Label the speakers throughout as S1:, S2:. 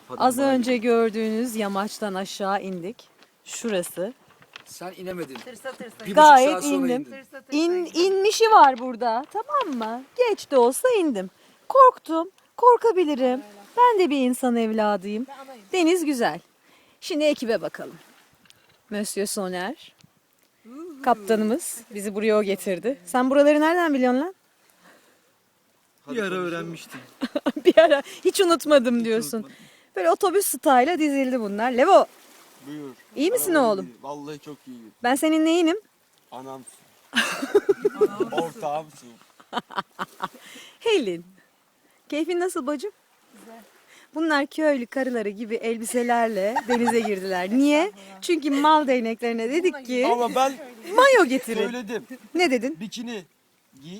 S1: Az önce gördüğünüz yamaçtan aşağı indik. Şurası.
S2: Sen inemedin.
S3: Tırsa tırsa.
S2: Bir buçuk
S1: Gayet
S2: saat sonra
S1: indim.
S2: indin.
S3: Tırsa tırsa.
S1: İnmişi var burada. Tamam mı? Geç de olsa indim. Korktum. Korkabilirim. Ben de bir insan evladıyım. Deniz güzel. Şimdi ekibe bakalım. Monsieur Soner. Kaptanımız bizi buraya o getirdi. Sen buraları nereden biliyorsun lan?
S4: Bir ara öğrenmiştim.
S1: Bir ara hiç unutmadım diyorsun.
S4: unutmadım.
S1: Böyle otobüs style'a dizildi bunlar. Levo,
S4: Buyur.
S1: iyi misin
S4: Araba
S1: oğlum?
S4: iyi. Vallahi çok iyi.
S1: Ben senin neyinim?
S4: Anamsın. Ortağımsın.
S1: Helin. Keyfin nasıl bacım?
S3: Güzel.
S1: Bunlar köylü karıları gibi elbiselerle denize girdiler. Niye? Çünkü mal değneklerine dedik ki
S4: Ama ben
S1: mayo getirin.
S4: söyledim.
S1: Ne dedin?
S4: Bikini giy.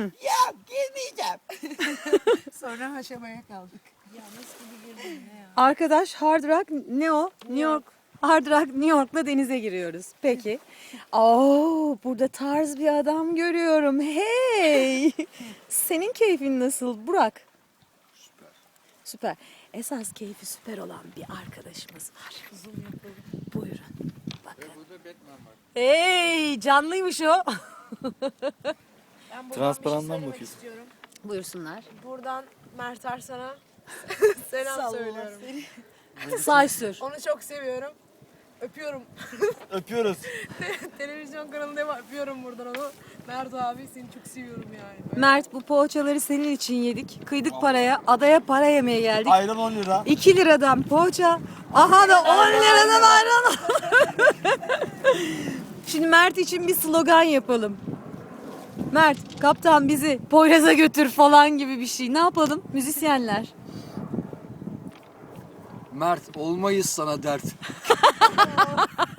S3: Sonra haşamaya kaldık.
S1: Arkadaş Hard Rock ne o? New York. Hard Rock New York'la denize giriyoruz. Peki. Oo, burada tarz bir adam görüyorum. Hey! Senin keyfin nasıl Burak?
S4: Süper.
S1: Süper. Esas keyfi süper olan bir arkadaşımız var. Buyurun. Bakın. Hey, canlıymış o.
S3: Ben buradan
S4: Transparandan
S3: bir şey söylemek
S4: bakıyorsun.
S3: istiyorum.
S1: Buyursunlar.
S3: Buradan Mert Arslan'a selam söylüyorum.
S1: Say sür.
S3: Onu çok seviyorum. Öpüyorum.
S4: Öpüyoruz.
S3: Televizyon kanalında var. Öpüyorum buradan onu. Mert abi seni çok seviyorum yani.
S1: Mert bu poğaçaları senin için yedik. Kıydık paraya. Adaya para yemeye geldik.
S4: Ayran 10 lira.
S1: 2 liradan poğaça. Aha da 10 liradan ayran. Şimdi Mert için bir slogan yapalım. Mert, kaptan bizi Poyraz'a götür falan gibi bir şey. Ne yapalım müzisyenler?
S2: Mert olmayız sana dert.